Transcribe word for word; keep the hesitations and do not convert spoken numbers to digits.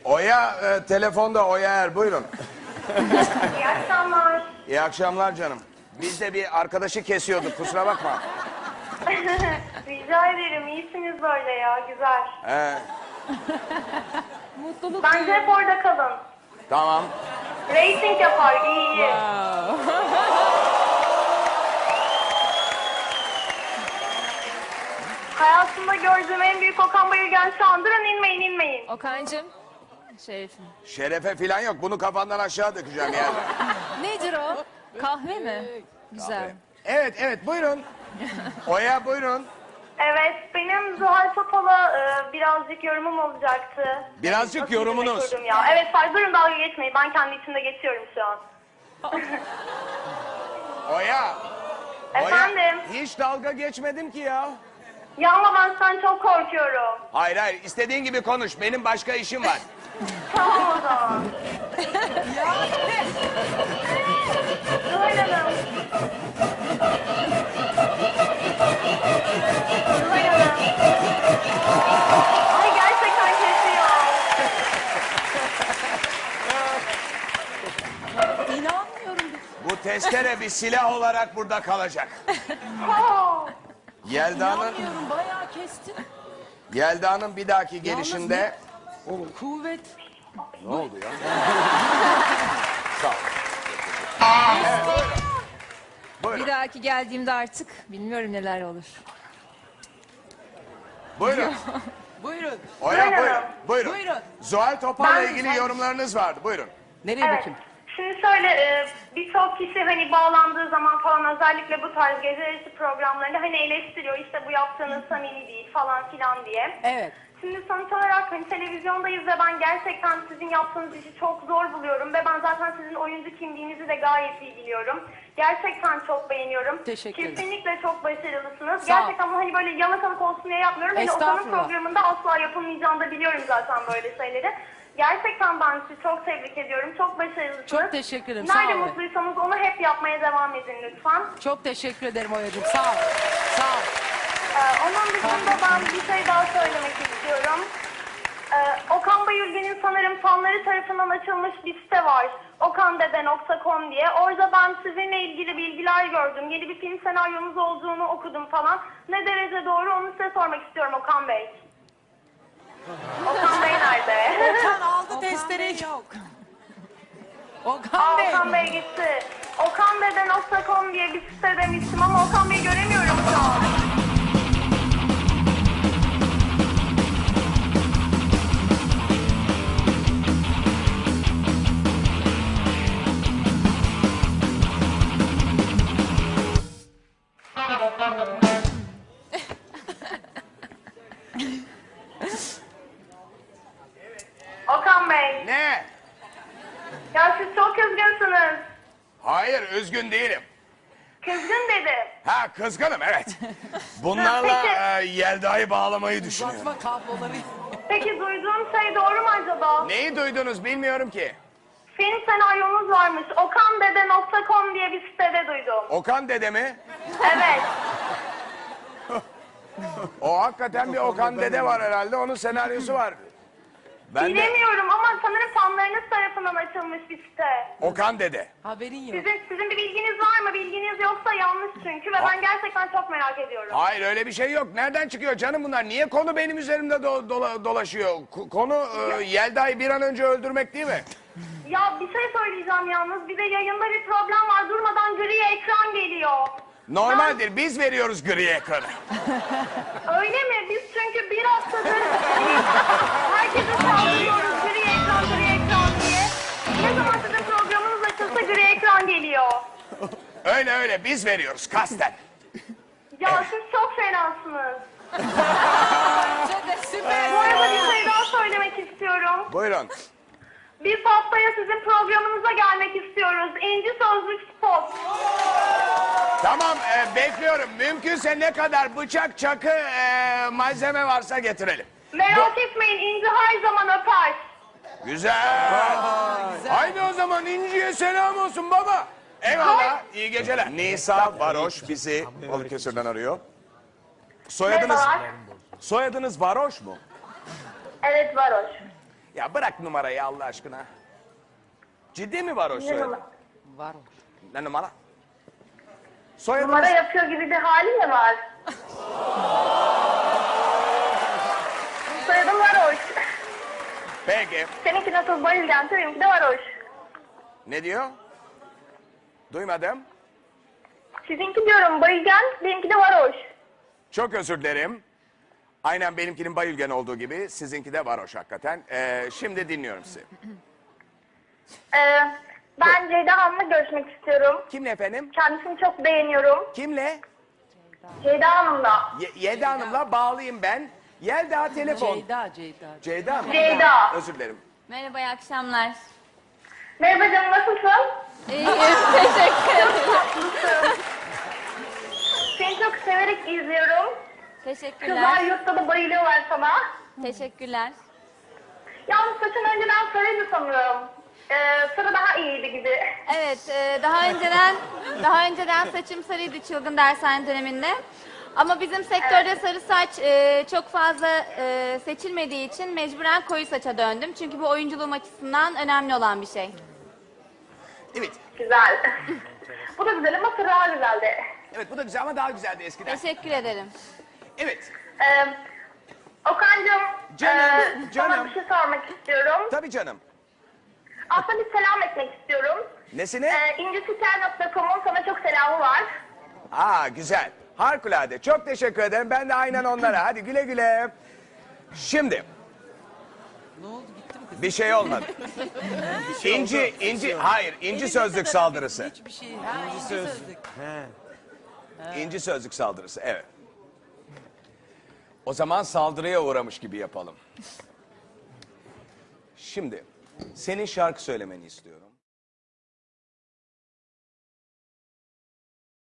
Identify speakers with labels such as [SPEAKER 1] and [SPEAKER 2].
[SPEAKER 1] Oya e, telefonda Oya Er, buyurun.
[SPEAKER 2] İyi akşamlar.
[SPEAKER 1] İyi akşamlar canım. Biz de bir arkadaşı kesiyorduk, kusura bakma.
[SPEAKER 2] Rica ederim. İyisiniz böyle ya. Güzel.
[SPEAKER 1] He,
[SPEAKER 3] Mutluluk
[SPEAKER 2] Bence
[SPEAKER 3] duyuyorum.
[SPEAKER 2] hep orada kalın.
[SPEAKER 1] tamam.
[SPEAKER 2] Rating yapar. İyi iyi. Hayatımda gördüğüm en büyük Okan Bayülgen şu andır. Hani inmeyin inmeyin.
[SPEAKER 3] Okan'cığım. Şerefim.
[SPEAKER 1] Şerefe falan yok, bunu kafandan aşağı dökeceğim yani.
[SPEAKER 3] Nedir o? Kahve mi? Güzel.
[SPEAKER 1] Evet, evet, buyurun. Oya, buyurun.
[SPEAKER 2] Evet, benim Zuhal Topal'a e, birazcık yorumum olacaktı.
[SPEAKER 1] Birazcık
[SPEAKER 2] Nasıl
[SPEAKER 1] yorumunuz.
[SPEAKER 2] kurdum Ya. Evet, fark durun dalga geçmeyin. Ben kendi içimde geçiyorum şu an.
[SPEAKER 1] Oya. Oya,
[SPEAKER 2] Efendim?
[SPEAKER 1] hiç dalga geçmedim ki ya.
[SPEAKER 2] Ya ama ben sizden çok korkuyorum.
[SPEAKER 1] Hayır hayır, istediğin gibi konuş, benim başka işim var.
[SPEAKER 2] Tamam o zaman. Zuhal Hanım. Zuhal Hanım. Ay gerçekten kesiyor.
[SPEAKER 3] İnanmıyorum.
[SPEAKER 1] Bu testere bir silah olarak burada kalacak.
[SPEAKER 2] Oh.
[SPEAKER 1] Yelda'nın
[SPEAKER 3] İnanmıyorum. Bayağı kestin.
[SPEAKER 1] Yelda'nın bir dahaki gelişinde...
[SPEAKER 3] Kuvvet.
[SPEAKER 1] Ne oldu ya? Sağ ol. Evet, buyurun. Buyurun.
[SPEAKER 3] Bir dahaki geldiğimde artık bilmiyorum neler olur.
[SPEAKER 1] Buyurun.
[SPEAKER 4] Buyurun.
[SPEAKER 1] Oya
[SPEAKER 2] Buyurun.
[SPEAKER 1] buyurun. Buyurun.
[SPEAKER 4] Buyurun.
[SPEAKER 1] Zuhal Topal'la
[SPEAKER 2] Ben-
[SPEAKER 1] ilgili
[SPEAKER 2] ben-
[SPEAKER 1] yorumlarınız vardı. Buyurun.
[SPEAKER 4] Nereye
[SPEAKER 2] Evet.
[SPEAKER 4] bakayım?
[SPEAKER 2] Şimdi şöyle e, birçok kişi hani bağlandığı zaman falan özellikle bu tarz gece yarısı programlarında hani eleştiriyor işte bu yaptığınız samimi değil falan filan diye.
[SPEAKER 4] Evet.
[SPEAKER 2] Şimdi sonuç olarak hani televizyondayız ve ben gerçekten sizin yaptığınız işi çok zor buluyorum ve ben zaten sizin oyuncu kimliğinizi de gayet iyi biliyorum. Gerçekten çok beğeniyorum.
[SPEAKER 4] Teşekkür ederim.
[SPEAKER 2] Kesinlikle çok başarılısınız.
[SPEAKER 4] Sağ ol.
[SPEAKER 2] Gerçekten bunu hani böyle yalakalık olsun diye yapmıyorum. Hani Okan'ın
[SPEAKER 4] Estağfurullah.
[SPEAKER 2] programında asla yapılmayacağını da biliyorum zaten böyle şeyleri. Gerçekten ben sizi çok tebrik ediyorum. Çok başarılısınız.
[SPEAKER 4] Çok teşekkür ederim, sağ
[SPEAKER 2] Nerede
[SPEAKER 4] olun.
[SPEAKER 2] mutluysanız onu hep yapmaya devam edin lütfen.
[SPEAKER 4] Çok teşekkür ederim Oya'cığım. Sağ ol. Sağ ol.
[SPEAKER 2] Ee, onun dışında ben bir şey daha söylemek istiyorum. Ee, Okan Bayülgen'in sanırım fanları tarafından açılmış bir site var. okandede nokta com diye. Orada ben sizinle ilgili bilgiler gördüm. Yeni bir film senaryonuz olduğunu okudum falan. Ne derece doğru onu size sormak istiyorum Okan Bey. Okan Bey nerede?
[SPEAKER 4] Okan aldı testereyi. Yok. Okan
[SPEAKER 2] Aa,
[SPEAKER 4] Bey.
[SPEAKER 2] Okan Bey gitti. okandede nokta com diye bir site demiştim ama Okan Bey'i göremiyorum şu an. Okan Bey,
[SPEAKER 1] Ne?
[SPEAKER 2] ya siz çok kızgınsınız.
[SPEAKER 1] Hayır, üzgün değilim.
[SPEAKER 2] Kızgın dedim.
[SPEAKER 1] Ha, kızgınım, evet. Bunlarla
[SPEAKER 2] Peki.
[SPEAKER 1] e, Yelda'yı bağlamayı düşünüyorum.
[SPEAKER 4] Uzatma kabloları.
[SPEAKER 2] Peki duyduğum şey doğru mu acaba?
[SPEAKER 1] Neyi duydunuz bilmiyorum ki.
[SPEAKER 2] Film senaryonuz varmış. okandede nokta com diye bir sitede duydum.
[SPEAKER 1] Okan dede mi?
[SPEAKER 2] Evet.
[SPEAKER 1] O hakikaten bir Okan dede var herhalde, onun senaryosu var. Ben de
[SPEAKER 2] Bilemiyorum ama sanırım fanlarınız tarafından açılmış bir site.
[SPEAKER 1] Okan dede.
[SPEAKER 4] Haberin yok.
[SPEAKER 2] Sizin, sizin bir bilginiz var mı? Bilginiz yoksa yanlış çünkü ve ben gerçekten çok merak ediyorum.
[SPEAKER 1] Hayır, öyle bir şey yok. Nereden çıkıyor canım bunlar? Niye konu benim üzerimde do- dola- dolaşıyor? K- konu e, Yelda'yı bir an önce öldürmek değil mi?
[SPEAKER 2] Ya bir şey söyleyeceğim yalnız. Bir de yayında bir problem var. Durmadan gri ekran geliyor.
[SPEAKER 1] Normaldir, biz veriyoruz gri ekranı.
[SPEAKER 2] Öyle mi? Biz çünkü bir haftadır herkese saldırıyoruz gri ekran, gri ekran diye. Ne zaman sizin programınız açılsa gri ekran geliyor.
[SPEAKER 1] Öyle öyle, biz veriyoruz kasten.
[SPEAKER 2] Ya siz çok fenasınız.
[SPEAKER 4] Çok süper.
[SPEAKER 2] Bu arada bir şey daha söylemek istiyorum.
[SPEAKER 1] Buyurun.
[SPEAKER 2] Biz haftaya sizin programınıza gelmek istiyoruz. İnci Sözlük Spot.
[SPEAKER 1] Tamam, e, bekliyorum. Mümkünse ne kadar bıçak, çakı, e, malzeme varsa getirelim.
[SPEAKER 2] Merak etmeyin, İnci her zaman öper.
[SPEAKER 1] Güzel. Haydi o zaman İnci'ye selam olsun baba. Eyvallah, iyi geceler. Nisa Varoş bizi Balıkesir'den arıyor. Soyadınız,
[SPEAKER 2] Merhabalar.
[SPEAKER 1] soyadınız Varoş mu?
[SPEAKER 2] Evet, varoş.
[SPEAKER 1] Ya bırak numarayı Allah aşkına. Ciddi mi varoş
[SPEAKER 2] Ne
[SPEAKER 1] soyadı?
[SPEAKER 2] numara?
[SPEAKER 4] Var o.
[SPEAKER 1] Ne numara? Soyadınız?
[SPEAKER 2] Numara yapıyor gibi bir hali mi var? Soyadım varoş.
[SPEAKER 1] Peki.
[SPEAKER 2] Seninki nasıl Bayülgen, benimki de varoş.
[SPEAKER 1] Ne diyor? Duymadım.
[SPEAKER 2] Sizinki diyorum Bayülgen, benimki de varoş.
[SPEAKER 1] Çok özür dilerim. Aynen benimkinin Bayülgen olduğu gibi sizinki de varoş hakikaten. Ee, şimdi dinliyorum sizi.
[SPEAKER 2] Ee, ben Ceyda Hanım'la görüşmek istiyorum.
[SPEAKER 1] Kimle efendim?
[SPEAKER 2] Kendisini çok beğeniyorum.
[SPEAKER 1] Kimle?
[SPEAKER 2] Ceyda Hanım'la.
[SPEAKER 1] Ye- Yelda Hanım'la bağlayayım ben. Yelda telefon.
[SPEAKER 4] Ceyda, Ceyda.
[SPEAKER 1] Ceyda mı?
[SPEAKER 2] Ceyda.
[SPEAKER 1] Özür dilerim.
[SPEAKER 3] Merhaba, iyi akşamlar.
[SPEAKER 2] Merhaba canım, nasılsın?
[SPEAKER 3] İyiyim, teşekkür ederim.
[SPEAKER 2] Tatlısın. Seni çok severek izliyorum. Kızlar
[SPEAKER 3] Teşekkürler.
[SPEAKER 2] yurtta da bayılıyorlar sana.
[SPEAKER 3] Teşekkürler.
[SPEAKER 2] Yalnız saçın önceden sarıydı sanırım. Ee, sarı daha iyiydi gibi.
[SPEAKER 3] Evet, e, daha önceden daha önceden saçım sarıydı çılgın dershane döneminde. Ama bizim sektörde sarı saç e, çok fazla e, seçilmediği için mecburen koyu saça döndüm. Çünkü bu oyunculuğum açısından önemli olan bir şey.
[SPEAKER 1] Evet.
[SPEAKER 2] Güzel. Bu da güzel ama sarı daha güzeldi.
[SPEAKER 1] Evet bu da güzel ama daha güzeldi eskiden.
[SPEAKER 3] Teşekkür ederim.
[SPEAKER 1] Evet.
[SPEAKER 2] Ee, Okan'cığım,
[SPEAKER 1] Canım,
[SPEAKER 2] e, sana
[SPEAKER 1] canım.
[SPEAKER 2] bir şey sormak istiyorum.
[SPEAKER 1] Tabii canım.
[SPEAKER 2] Aslında bir selam etmek istiyorum.
[SPEAKER 1] Nesine?
[SPEAKER 2] Ee, incisiker nokta com'un sana çok selamı var.
[SPEAKER 1] Aa güzel. Harikulade. Çok teşekkür ederim. Ben de aynen onlara. Hadi güle güle. Şimdi
[SPEAKER 4] Ne oldu, gitti mi kız?
[SPEAKER 1] bir şey olmadı. İnci, inci, hayır, inci sözlük saldırısı.
[SPEAKER 4] Hiçbir şey. Ha, inci sözlük.
[SPEAKER 1] İnci sözlük saldırısı, evet. O zaman saldırıya uğramış gibi yapalım. Şimdi senin şarkı söylemeni istiyorum.